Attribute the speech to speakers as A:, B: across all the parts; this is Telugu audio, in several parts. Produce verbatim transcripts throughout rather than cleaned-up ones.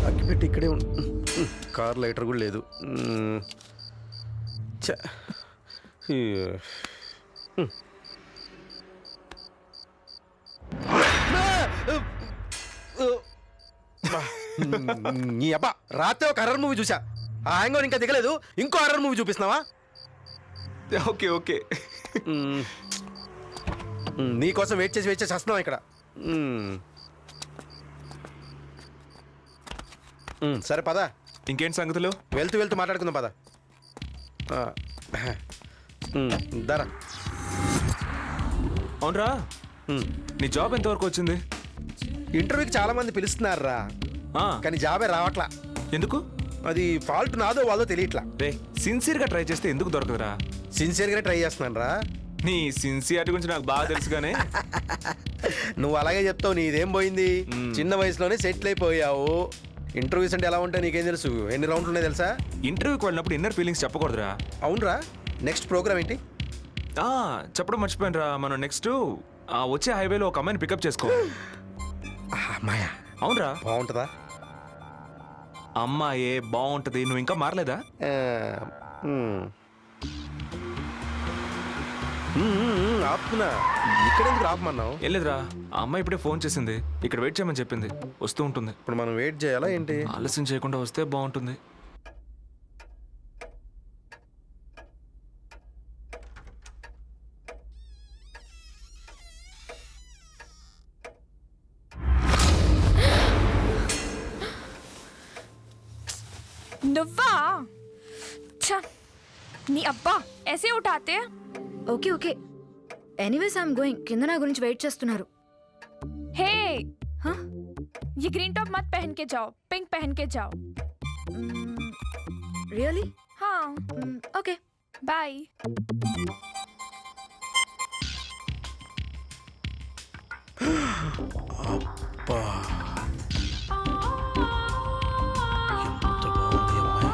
A: అగ్గిపెట్టి ఇక్కడే ఉంది. కార్ లైటర్ కూడా లేదు. ఛ. ఈ. నీ అబ్బా రాత్రి ఒక హర్రర్ మూవీ చూసా. ఆ హ్యాంగ్ ఇంకా దిగలేదు, ఇంకో హర్రర్ మూవీ చూపిస్తున్నావా?
B: ఓకే ఓకే
A: నీకోసం వెయిట్ చేసి వెయిట్ చేసి వస్తున్నావు ఇక్కడ. సరే పద.
B: ఇంకేంటి సంగతులు?
A: వెళ్తూ వెళ్తూ మాట్లాడుకుందాం పద. దరా.
B: అవునరా, నీ జాబ్ ఎంతవరకు వచ్చింది?
A: ఇంటర్వ్యూకి చాలా మంది పిలుస్తున్నారా, కానీ జాబే రావట్లా.
B: ఎందుకు?
A: అది ఫాల్ట్ నాదో వాళ్ళో తెలియట్లా.
B: రే, సిన్సియర్గా ట్రై చేస్తే ఎందుకు దొరకదురా?
A: సిన్సియర్గా ట్రై చేస్తున్నాను రా.
B: నీ సిన్సియారిటీ గురించి నాకు బాగా తెలుసుగానే.
A: నువ్వు అలాగే చెప్తావు, నీదేం పోయింది? చిన్న వయసులోనే సెటిల్ అయిపోయావు. ఇంటర్వ్యూస్ అంటే ఎలా ఉంటాయి నీకేం తెలుసు? ఎన్ని రౌండ్లు ఉన్నాయి తెలుసా?
B: ఇంటర్వ్యూకి వెళ్ళినప్పుడు ఇన్నర్ ఫీలింగ్స్ చెప్పకూడదురా.
A: అవునరా. నెక్స్ట్ ప్రోగ్రామ్ ఏంటి?
B: చెప్పడం మర్చిపోయినరా, మనం నెక్స్ట్ వచ్చే హైవేలో ఒక అమ్మాయిని పికప్ చేసుకో.
A: అమ్మాయా?
B: అవునరా.
A: బాగుంటుందా?
B: అమ్మాయే బాగుంటది. నువ్వు ఇంకా మారలేదా?
A: ఆపుతున్నా. ఇక్కడెందుకు ఆపమన్నావు?
B: ఏం లేదురా, ఆ అమ్మాయి ఇప్పుడే ఫోన్ చేసింది, ఇక్కడ వెయిట్ చేయమని చెప్పింది. వస్తూ ఉంటుంది.
A: ఇప్పుడు మనం వెయిట్ చేయాలా ఏంటి?
B: ఆలస్యం చేయకుండా వస్తే బాగుంటుంది.
C: నువ్వా? నీ అబ్బా ऐसे उठाते हैं.
D: Okay okay anyways I'm going. కింద నా గురించి వెయిట్ చేస్తున్నారు.
C: हे
D: हाँ?
C: ये ग्रीन टॉप मत पहन के जाओ, पिंक पहन के जाओ.
D: రియలీ?
C: हाँ
D: ఓకే
C: बाय.
A: అబ్బా, ఎంత బాగుంది అమ్మాయి.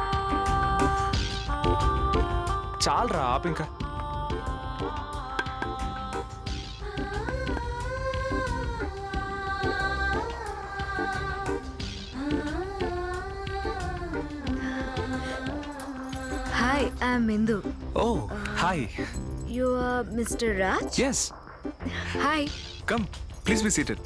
B: చాలరా, ఆపు ఇంకా.
D: Hi I'm Indu.
B: Oh hi.
D: You are mister Raj?
B: Yes.
D: Hi.
B: Come please be seated.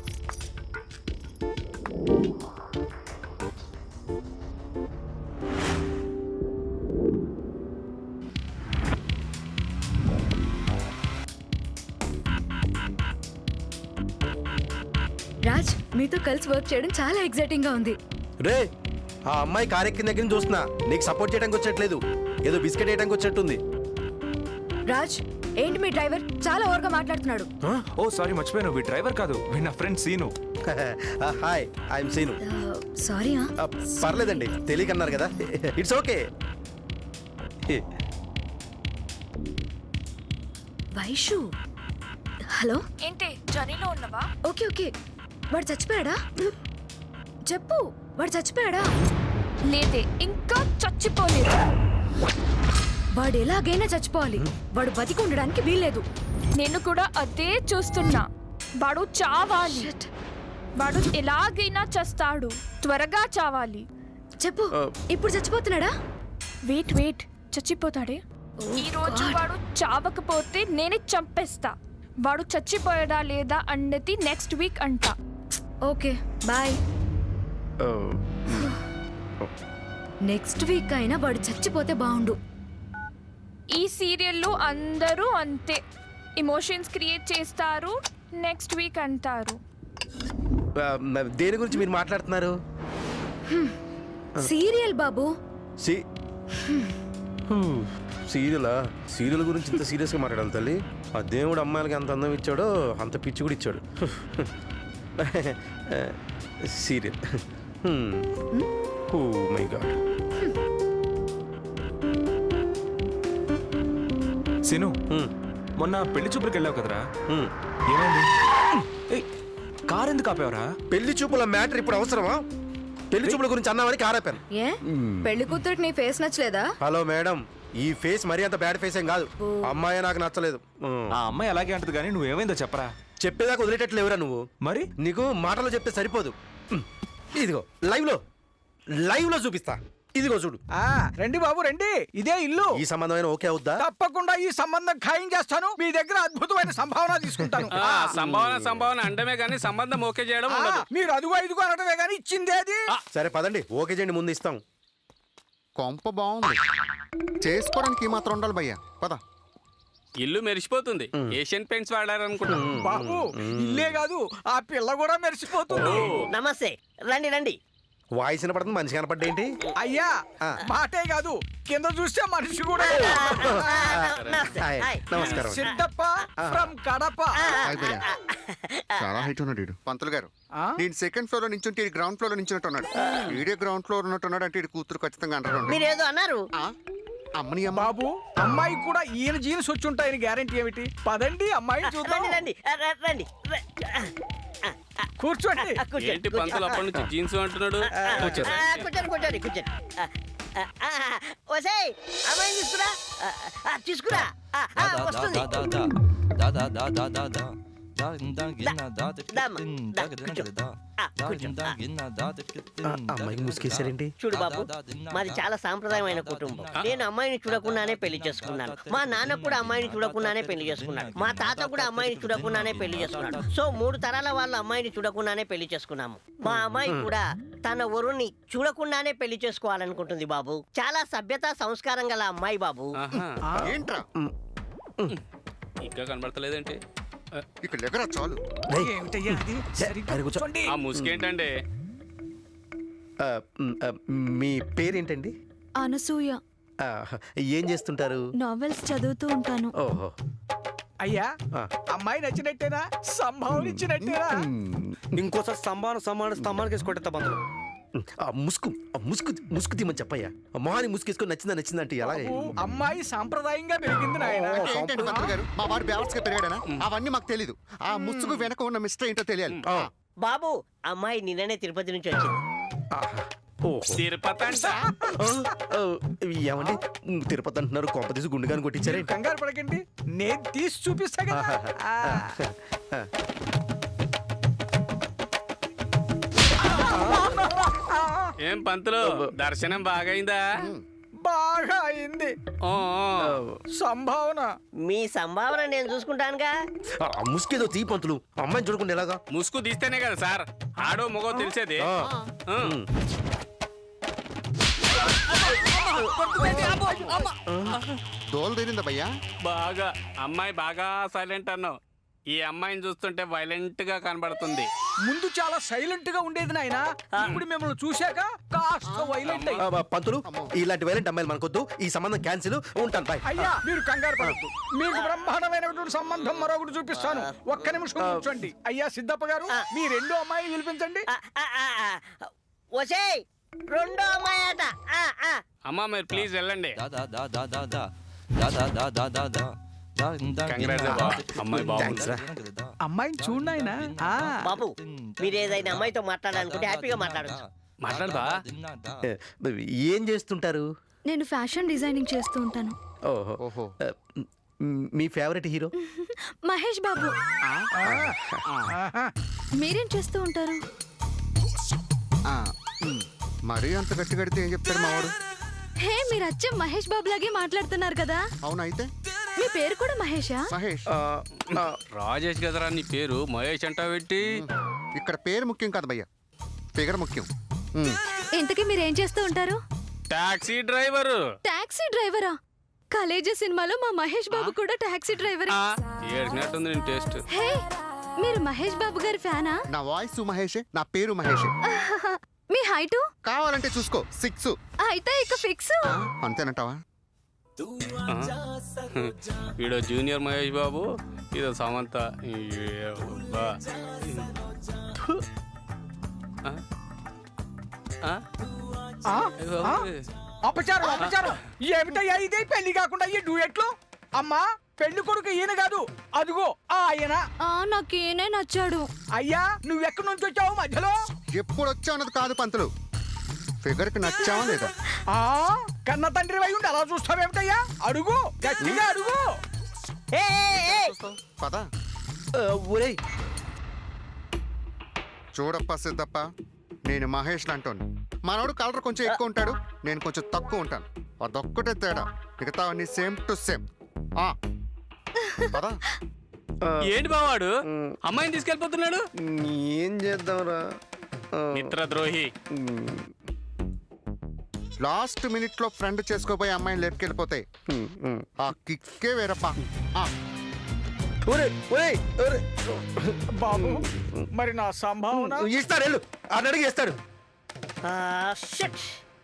D: Raj, మీతో కలిసి వర్క్ చేయడం చాలా ఎక్సైటింగ్ గా ఉంది.
A: రే, ఆ అమ్మాయి కారెక్కిన దగ్గర నుంచి చూస్తున్నా. నీకు సపోర్ట్ చేయడానికి వచ్చేట్లేదు, ఏదో బిస్కెట్ వేయడానికి వచ్చేట్టుంది.
D: రాజ్, ఏంటి మీ డ్రైవర్ చాలా ఓవర్గా మాట్లాడుతున్నాడు?
B: ఓ సారీ, మర్చిపోయాను, వీ డ్రైవర్ కాదు, వీ నా friend Seenu.
A: Hi, I'm Seenu.
D: Sorry.
A: పర్లేదండి, తెలియకన్నారు కదా, ఇట్స్ ఓకే.
D: వైషు, హలో.
C: ఏంటి జర్నీలో ఉన్నవా?
D: ఓకే ఓకే వాడు చచ్చిపోయాడా? చెప్పు, వాడు చచ్చిపోయాడా?
C: లేదే, ఇంకా చచ్చిపోలేదు.
D: వాడు ఎలాగైనా చచ్చిపోవాలి. వాడు బతికి ఉండడానికి వీల్లేదు.
C: నేను కూడా అదే చూస్తున్నా. వాడు చావాలి. వాడు ఎలాగైనా చస్తాడు. త్వరగా చావాలి.
D: చెప్పు, ఇప్పుడు చచ్చిపోతున్నాడా?
C: Wait wait చచ్చిపోతాడే. ఈ రోజు వాడు చావకపోతే నేనే చంపేస్తా. వాడు చచ్చిపోయాడా లేదా అన్నది నెక్స్ట్ వీక్ అంట.
D: Okay bye. నెక్స్ట్ వీక్ అయినా వాడు చచ్చిపోతే బాగుండు.
C: ఈ సీరియల్లో అందరూ అంతే, ఎమోషన్స్ క్రియేట్ చేస్తారు, నెక్స్ట్ వీక్ అంటారు.
A: దేని గురించి మీరు మాట్లాడుతున్నారు?
D: సీరియల్ బాబు.
A: సీరియలా? సీరియల్ గురించి ఇంత సీరియస్గా మాట్లాడాలి తల్లి? ఆ దేవుడు అమ్మాయిలకి ఎంత అందం ఇచ్చాడో అంత పిచ్చి కూడా ఇచ్చాడు. Serial. Oh my God.
B: Seenu, మొన్న పెళ్లి చూపులకు వెళ్ళావు కదరా, ఏమైంది? కార్ ఎందుకు ఆపేవరా?
A: పెళ్లి చూపుల మ్యాటర్ ఇప్పుడు అవసరమా? పెళ్లి చూపుల గురించి అన్నామని కార్ ఆపాను.
D: ఏ పెళ్లి కూతురికి నీ ఫేస్ నచ్చలేదా?
A: హలో మేడం, ఈ ఫేస్ మరీ అంత బ్యాడ్ ఫేస్ ఏం కాదు. అమ్మాయి నాకు నచ్చలేదు.
B: ఆ అమ్మాయి అలాగే అంటది, కానీ నువ్వేమైందో చెప్పరా.
A: చెప్పేదాకా వదిలేటట్లు ఎవరా నువ్వు?
B: మరి
A: నీకు మాటలో చెప్తే సరిపోదు. ఇదిగో లైవ్ లో లైవ్ లో చూపిస్తా. ఇదిగో చూడు.
E: ఆ రండి బాబు రండి, ఇదే ఇల్లు.
A: ఈ సంబంధమైన ఓకే అవుద్దా?
E: తప్పకుండా ఈ సంబంధం ఖాయం చేస్తాను. మీ దగ్గర అద్భుతమైన సంభావన తీసుకుంటాను.
F: ఆ, సంభావన సంభావన అండమే కానీ సంబంధం ఓకే చేయడం
E: ఆ,
F: ఉండదు.
E: మీరు అదుగు ఐదుగు అనటమే కానీ ఇచ్చిందేది.
A: సరే పదండి, ఓకే చేయండి, ముందు ఇస్తాం.
G: కొంప బాగుంది, చేసుకోవడానికి ఈ మాత్రం ఉండాలి భయ్యా. పద.
F: ఇల్లు మెరిసిపోతుంది. Asian paints వాడారనుకుంటా.
E: బాబు ఇల్లే కాదు, ఆ పిల్ల కూడా మెరిసిపోతుంది.
H: నమస్తే, రండి రండి.
A: వాయిస్ వినపడుతుంది, మనిషి కనపడ్డేంటి?
E: అయ్యా మాటే కాదు, కింద చూస్తే మనిషి కూడా.
H: నమస్తే.
A: Hi,
H: hi.
A: నమస్కారం.
E: సిద్ధప్ప ఫ్రమ్ కడప.
G: హాయ్ భయ్యా. చాలా హైట్ ఉన్నాడు వీడు. పంతులు గారు,
E: ఆ?
G: నేను సెకండ్ ఫ్లోర్ లో నించుంటే ఈ గ్రౌండ్ ఫ్లోర్ లో నించున్నట్టు ఉన్నాడు. వీడియో గ్రౌండ్ ఫ్లోర్ ఉన్నట్టున్నాడు అంటే ఈ కూతురు ఖచ్చితంగా అంటారు.
H: మీరేదో అన్నారు.
G: అమ్మని అమ్మ.
E: బాబు అమ్మాయి కూడా ఈయన జీన్స్ వచ్చి ఉంటాయని గ్యారెంటీ ఏమిటి? పదండి అమ్మాయిని చూద్దాం.
H: రండి రండి ర- రండి ర-
E: కూర్చోండి.
H: ఆ, కూర్చోండి,
F: ఏంటి పంతులు అప్పటి నుంచి జీన్స్ అంటున్నాడు?
H: కూర్చోండి. ఆ, కూర్చోండి కూర్చోండి కూర్చోండి. ఆ, ఆ, ఆ, ఒసేయ్ అమ్మాయిని తీసుకురా. ఆ, ఆ, తీసుకురా. ఆ, ఆ, వస్తుంది. దమ్మ, దా, కూర్చో. ఆ, కూర్చో. ఆ.
A: అమ్మాయికి ముసుకేసారేంటి?
H: చూడు బాబు, మాది చాలా సాంప్రదాయమైన కుటుంబం. నేను అమ్మాయిని చూడకుండానే పెళ్లి చేసుకున్నాను. మా నాన్న కూడా అమ్మాయిని చూడకుండానే పెళ్లి చేసుకున్నాడు. మా తాత కూడా అమ్మాయిని చూడకుండానే పెళ్లి చేసుకున్నాడు. సో మూడు తరాల వాళ్ళ అమ్మాయిని చూడకుండానే పెళ్లి చేసుకున్నాము. మా అమ్మాయి కూడా తన వరుణ్ణి చూడకుండానే పెళ్లి చేసుకోవాలనుకుంటుంది బాబు. చాలా సభ్యత సంస్కారం గల అమ్మాయి బాబు.
F: ఆహా.
G: ఏంట్రా
F: ఇంకా కనబడతలేదేంటి?
G: ఇక్కడ ఎగరా చాలు.
A: రేయ్,
E: ఏమిటయ్యా ఇది? సరిగ్గా
A: పైన కూర్చో.
E: కూర్చోండి.
F: ఆ ముసుకేంటండి?
A: ఆ, మ్, ఆ, మీ పేరేంటండి?
D: అనసూయ.
A: ఆ, ఏం చేస్తుంటారు?
D: నావెల్స్ చదువుతూ ఉంటాను.
A: ఓహో.
E: అయ్యా
A: ఆ.
E: అమ్మాయి నచ్చినట్టేనా? సంభావన ఇచ్చినట్టేనా?
I: ఇంకోసారి సంభావన సమాన స్తంభానికి వేసి కొట్టేస్తా పంతులు.
A: ఆ ముసుగు ఆ ముసుగు ముసుగు తీమని చెప్పయ్యా. మొహాన్ని ముసుగేసుకొని నచ్చిందా నచ్చిందా అంటే ఎలా?
E: బాబు, అమ్మాయి సాంప్రదాయంగా పెరిగింది నాయన.
G: అంటే ఏంటండి పంతులు గారు, మా వాడు బ్యాలెన్స్ గా పెరిగాడనా? అవన్నీ మాకు తెలీదు. ఆ ముసుగు వెనక ఉన్న మిస్టర్ ఏంటో తెలియాలి.
A: ఆ,
H: బాబు అమ్మాయి నిన్ననే తిరుపతి నుంచి వచ్చింది.
A: ఆహా. ఓహో.
F: తిరుపతి అంట.
A: ఆ, ఆ, ఏమండి తిరుపతి అంటున్నారు, కొంప తీసి గుండెగాని కొట్టించారే?
E: కంగారు పడకండి, నేను తీసి చూపిస్తా కదా. ఆ.
F: ఏం పంతులు దర్శనం బాగైందా?
E: బాగా అయింది.
F: ఓ, ఓ.
E: సంభావన
H: మీ సంభావన నేను చూసుకుంటానుగా.
A: ఆ, ముసుగేదో తీ పంతులు, అమ్మాయిని చూడకుండా ఎలాగా?
F: ముసుగు తీస్తేనే కదా సార్ ఆడో మగో తెలిసేది.
A: ఆ,
F: ఆ.
A: ఉమ్.
G: దోలు తీరిందా భయ్యా?
F: బాగా అమ్మాయి బాగా సైలెంట్ అన్నావు. ఈ అమ్మాయిని చూస్తుంటే వైలెంట్ గా కనబడుతుంది.
E: ముందు చాలా సైలెంట్ గా ఉండేది నాయన. ఇప్పుడు మిమ్మల్ని చూశాక కాస్త వైలెంట్ అయ్యి.
A: ఆ, పంతులు ఇలాంటి వైలెంట్ అమ్మాయిలు మనకొద్దు, ఈ సంబంధం క్యాన్సిల్. ఉంటాను, బాయ్.
E: అయ్యా మీరు కంగారు పడద్దు, మీకు బ్రహ్మాండమైనటువంటి సంబంధం మరొకటి చూపిస్తాను. ఒక్క నిమిషం కూర్చోండి. అయ్యా సిద్ధప్ప గారు, మీ రెండో అమ్మాయి పిలిపించండి.
H: ఆ, ఆ, ఆ, ఆ. ఒసేయ్ రెండో అమ్మాయి అట. ఆ, ఆ.
F: అమ్మా మీరు ప్లీజ్ వెళ్ళండి. Congrats అబ్బా. అమ్మాయి బాగుంది.
E: అమ్మాయిని చూడు ఆయన.
H: బాబు మీరు ఏదైనా అమ్మాయితో మాట్లాడాలనుకుంటే హ్యాపీగా మాట్లాడచ్చు.
F: మాట్లాడదా?
A: ఏ, ఏం చేస్తుంటారు?
D: నేను ఫ్యాషన్ డిజైనింగ్ చేస్తూ ఉంటాను.
A: ఓహో.
G: ఓహో.
A: ఆ, మ్, మీ ఫేవరెట్ హీరో?
D: మహేష్ బాబు. మీరేం చేస్తూ ఉంటారు?
G: ఆ, ఉమ్. మరీ అంత గట్టి కడితే ఏం చెప్తాడు మా వాడు?
D: హే, మీరు అచ్చం మహేష్ బాబు లాగే మాట్లాడుతున్నారు కదా.
G: అవునా? అయితే
D: మీ పేరు కూడా మహేషా?
G: మహేష్.
A: ఆ, ఆ,
F: రాజేష్ కదరా నీ పేరు, మహేష్ అంటావు పెట్టి.
G: ఇక్కడ పేరు ముఖ్యం కాదు భయ్యా, ఫిగర్ ముఖ్యం. ఉమ్.
D: ఇంతకీ మీరేం చేస్తూ ఉంటారు?
F: Taxi driver.
D: టాక్సీ డ్రైవరా? కాలేజీ సినిమాలో మా మహేష్ బాబు కూడా టాక్సీ డ్రైవర్.
F: ఏడ్చినట్టుంది నేను టేస్ట్.
D: హే, మీరు మహేష్ బాబు గారి ఫ్యానా?
G: నా వాయిస్ మహేషే, నా పేరు మహేషే.
D: మీ హైటు?
G: కావాలంటే చూసుకో, సిక్స్.
D: అయితే ఇక ఫిక్స్.
G: అంతేనంటావా?
F: వీడో జూనియర్ మహేష్ బాబు, ఇదో సమంత. ఏ అబ్బా. ఆ? ఆ?
E: ఆ?
F: అయ్యో
E: ఆ?
F: బాబోయ్.
E: అపచారం అపచారం. ఏమిటయ్యా ఇది? పెళ్లి కాకుండా ఈ డూయెట్లు. అమ్మా పెళ్లి కొడుకు ఈయన కాదు, అదిగో ఆ ఆయన.
D: ఆ, నాకేనే నచ్చాడు.
E: అయ్యా నువ్వెక్కడి నుంచి వచ్చావు మధ్యలో?
G: ఎప్పుడు వచ్చా అన్నది కాదు పంతులు, ఫిగర్ కి నచ్చావా లేదా?
E: ఆ కన్న తండ్రి వై ఉండి అలా చూస్తావేమిటయ్యా? అడుగు, గట్టిగా అడుగు.
H: ఏ, ఏ, ఏ.
G: పద.
A: ఆ, ఒరేయ్
G: చూడప్ప సిద్ధప్ప, నేను మహేష్ అంటోని. మనోడు కలర్ కొంచెం ఎక్కువ ఉంటాడు, నేను కొంచెం తక్కువ ఉంటాను. అదొక్కటే తేడా, మిగతా అన్ని సేమ్ టు సేమ్. పదా
F: ఏంటి బావాడు అమ్మాయిని తీసుకెళ్ళిపోతున్నాడు?
A: ఏం చేద్దాంరా?
F: మిత్రద్రోహి.
G: లాస్ట్ మినిట్ లో ఫ్రెండ్ చేసుకోపోయి అమ్మాయిని లేపుకెళ్ళిపోతాయి. ఆ కిక్కే వేరప్పా. ఆ,
A: ఒరే ఒరే ఒరే
E: బాబు మరి నా సంభావన
A: ఇస్తాడు వెళ్ళు, అని అడిగి ఇస్తాడు.
H: షట్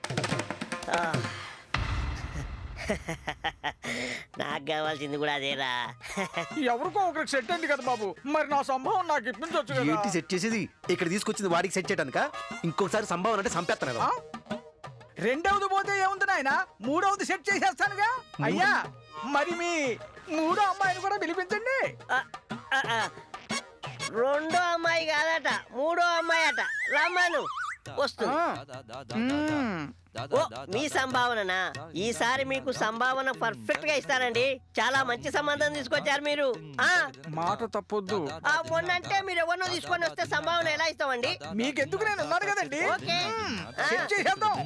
H: నాకు కావాల్సింది కూడా అదేరా.
E: ఎవరికో ఒకరికి సెట్ అయింది కదా బాబు, మరి నా సంభావన నాకు ఇప్పించవచ్చు
A: ఏంటి
E: కదా.
A: సెట్ చేసేది? ఇక్కడ తీసుకొచ్చింది వాడికి సెట్ చేయడానిక? ఇంకొకసారి సంభావన అంటే సంపేస్తాను కదా.
E: ఆ? రెండవది పోతే ఏముంది నాయన, మూడవది సెట్ చేసేస్తానుగా. అయ్యా మరి మీ మూడో అమ్మాయిని కూడా పిలిపించండి.
H: ఆ, ఆ, ఆ. రెండో అమ్మాయి కాదట, మూడో అమ్మాయి అట. రమ్మను వస్తుంది.
E: మ్మ్.
H: ఓ మీ సంభావననా? ఈసారి మీకు సంభావన పర్ఫెక్ట్ గా ఇస్తానండి. చాలా మంచి సంబంధం తీసుకొచ్చారు మీరు. ఆ
E: మాట తప్పొద్దు.
H: ఆ మొన్నంటే మీరు ఎవరినో తీసుకొని వస్తే సంభావన ఎలా ఇస్తామండి?
E: మీకెందుకు, నేను ఉన్నాను కదండి.
H: ఓకే.
E: మ్మ్.
H: ఆ.
E: సెట్ చేసేద్దాం.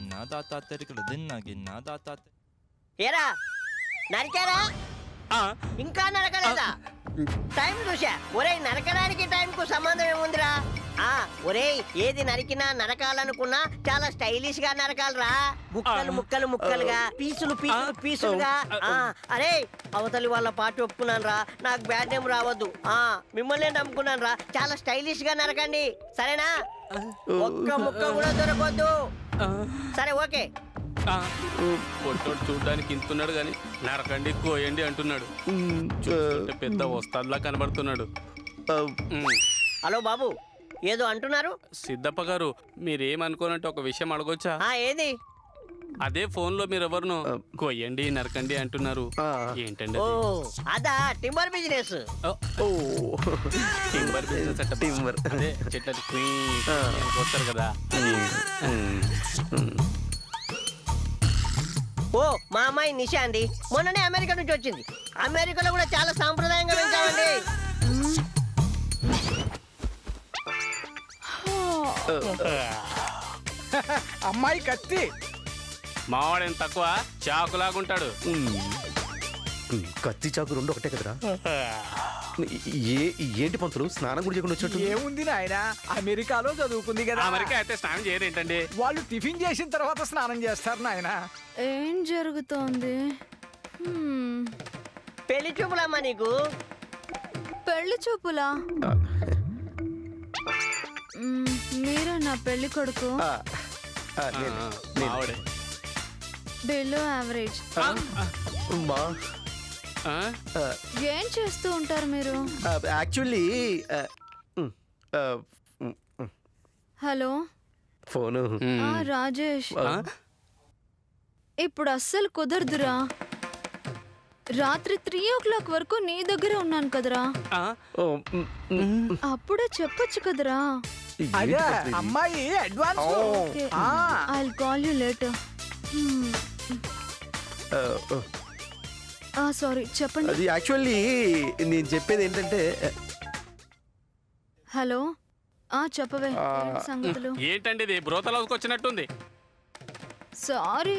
H: ఏరా నరికారా? ఇంకా నరకలేదా? టైం చూసా. ఒరేయ్ నరకడానికి టైం కు సంబంధం ఏముందిరా? ఆ ఒరేయ్ ఏది నరికినా నరకాలనుకున్నా చాలా స్టైలిష్ గా నరకాలరా. ముక్కలు ముక్కలు ముక్కలుగా, పీసులు పీసులు పీసులుగా. ఆ అరే అవతలి వాళ్ళ పార్టీ ఒప్పుకున్నాను రా, నాకు బ్యాడ్ నేమ్ రావద్దు. ఆ మిమ్మల్ని నమ్ముకున్నాను రా, చాలా స్టైలిష్ గా నరకండి సరేనా? ఒక్క ముక్క కూడా దొరకొద్దు. సరే ఓకే.
F: పొట్టోడు చూడడానికి ఇంతున్నాడు గాని నరకండి కోయండి అంటున్నాడు. చూస్తుంటే పెద్ద వస్తాదులా కనబడుతున్నాడు. మ్మ్.
H: హలో బాబు ఏదో అంటున్నారు?
F: సిద్ధప్ప గారు మీరేమనుకోనంటే ఒక విషయం అడగొచ్చా?
H: ఆ ఏది?
F: అదే ఫోన్ లో మీరు ఎవరును కొయ్యండి నరకండి అంటున్నారు. ఏంటండి
H: ఓ
F: అది?
H: అదా టింబర్ బిజినెస్.
F: ఓ, టింబర్ బిజినెస్ అట్ట.
A: టింబర్.
F: అదే చెట్లని క్వీన్ వస్తారు కదా.
H: ఓ మా అమ్మాయి నిషా అండి, మొన్ననే అమెరికా నుంచి వచ్చింది. అమెరికాలో కూడా చాలా సాంప్రదాయంగా పెంచామండి.
E: అమ్మాయి కత్తి.
F: మావాడేం తక్కువ చాకులాగుంటాడు.
A: కత్తి చాకు రెండు ఒకటే కదరా? ఏ ఏంటి పంతులు స్నానం కూడా చేయకుండా వచ్చేట్టు?
E: ఏముంది నాయన, అమెరికాలో చదువుకుంది కదా.
F: అమెరికా అయితే స్నానం చేయరేంటండి?
E: వాళ్ళు టిఫిన్ చేసిన తర్వాత స్నానం చేస్తారు నాయన.
D: ఏం జరుగుతోంది? హ్మ్,
H: పెళ్లి చూపులమ్మా నీకు.
D: పెళ్లి చూపులా? మ్మ్, మీరే నా పెళ్లి కొడుకు.
A: ఆ, ఆ, నేను- నేను.
F: మావాడే.
D: Below average.
A: మా
F: ఆ?
A: ఆ,
D: ఏం చేస్తూ ఉంటారు మీరు?
A: ఆ, యాక్చువల్లీ ఆ, ఉమ్, ఆ, ఉమ్, ఉమ్,
D: హలో
A: ఫోను
D: ఆ రాజేష్,
F: ఆ?
D: ఇప్పుడు అస్సలు కుదరదురా. రాత్రి త్రీ ఓ క్లాక్ వరకు నీ దగ్గర ఉన్నాను కదరా.
F: ఆ?
A: ఓ, ఉమ్, ఉమ్,
D: అప్పుడే చెప్పొచ్చు కదరా.
A: ఏంటి
E: అదే
A: పంతులు ఇది?
E: అమ్మాయి అడ్వాన్స్.
D: ఓకే,
E: ఆ.
D: I call you later.
A: ఆ, ఆ,
D: ఆ సారీ, చెప్పండి.
A: అది యాక్చువల్లీ నేను చెప్పేది ఏంటంటే
D: హలో ఆ చెప్పవే,
A: ఆ,
D: ఏంటి సంగతులు?
F: ఏంటండి ఇది బ్రోతలోకి వచ్చినట్టుంది.
D: సారీ,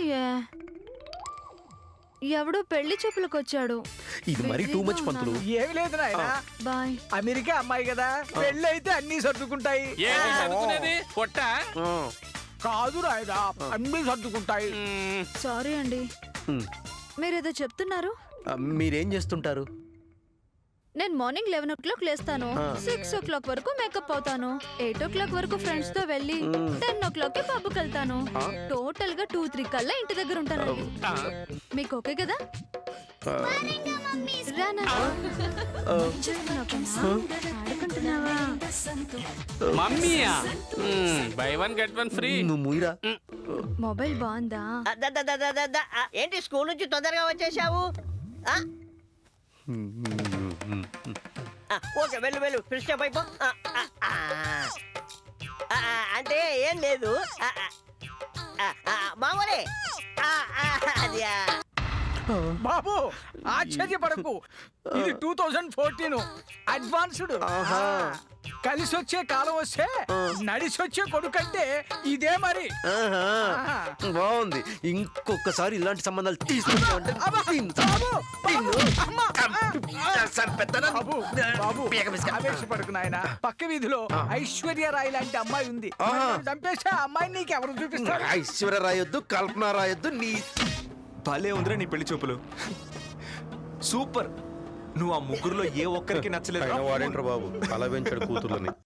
D: ఎవడో పెళ్లి చూపులకు వచ్చాడు.
A: ఇది మరీ టూ మచ్ పంతులు.
E: ఏమి లేదు నాయన,
D: బాయ్.
E: అమెరికా అమ్మాయి కదా, పెళ్ళి అయితే అన్ని సర్దుకుంటాయి.
F: ఏంటి చదువుకునేది పొట్ట?
A: ఆ,
E: కాదు నాయన, అన్ని సర్దుకుంటాయి.
F: మ్మ్.
D: సారీ అండి,
A: ఉమ్.
D: మీరేదో చెప్తున్నారు.
A: ఆ, మీరేం చేస్తుంటారు?
D: నేను మార్నింగ్ లెవెన్ ఓ క్లాక్ లేస్తాను, సిక్స్ ఓ క్లాక్ వరకు మేకప్ అవుతాను, ఎయిట్ ఓ క్లాక్ వరకు ఫ్రెండ్స్ తో వెళ్ళి టెన్ ఓ క్లాక్ కి పబ్కి వెళ్తాను. టోటల్ గా టూ త్రీ కల్లా ఇంటి దగ్గర ఉంటానండి. మీకు ఓకే కదా?
A: ఆ,
D: రానా? ఆడుకుంటున్నావా?
F: మమ్మీయా? Buy one get one free.
A: నువ్వు మూయిరా.
D: మొబైల్ బాగుందా?
H: ఆ, ద, ద, ద, ద, ద, ద. ఆ, ఏంటి స్కూల్ నుంచి తొందరగా వచ్చేసావు? ఆ? ఆ, ఓకే వెళ్ళు వెళ్ళు, ఫ్రెష్ అప్ అయిపో. ఆ, ఆ, ఆ. ఆ, ఆ, అంటే ఏం లేదు. ఆ, ఆ, ఆ, ఆ, మామూలే. ఆ, ఆ, అది ఆ.
E: బాబు ఆశ్చర్యపడకు ఇది టూ థౌజండ్ ఫోర్టీన్ అడ్వాన్స్డ్ కలిసి వచ్చే కాలం వస్తే నడిసి వచ్చే కొడుకంటే ఇదే మరి
A: ఆహా.
E: ఆహా.
A: బాగుంది. ఇంకొకసారి ఇలాంటి సంబంధాలు తీసుకుంటే
E: అబ్బా, బాబు, బాబు, అమ్మా, బాబు, బాబు, ఆవేశపడకు నాయనా. పక్క వీధిలో ఐశ్వర్య రాయ్ లాంటి అమ్మాయి ఉంది.
A: ఆహా.
E: చంపేస్తే ఆ అమ్మాయిని నీకు ఎవరు చూపిస్తారు?
A: ఐశ్వర్య రాయొద్దు, కల్పన రాయొద్దు. నీ
B: భలే ఉందిరా నీ పెళ్లి చూపులు. సూపర్. నువ్వు ఆ ముగ్గురులో ఏ ఒక్కరికి నచ్చలేదు.
A: వాడేంట్రా బాబు అలా పెంచాడు కూతుర్లని.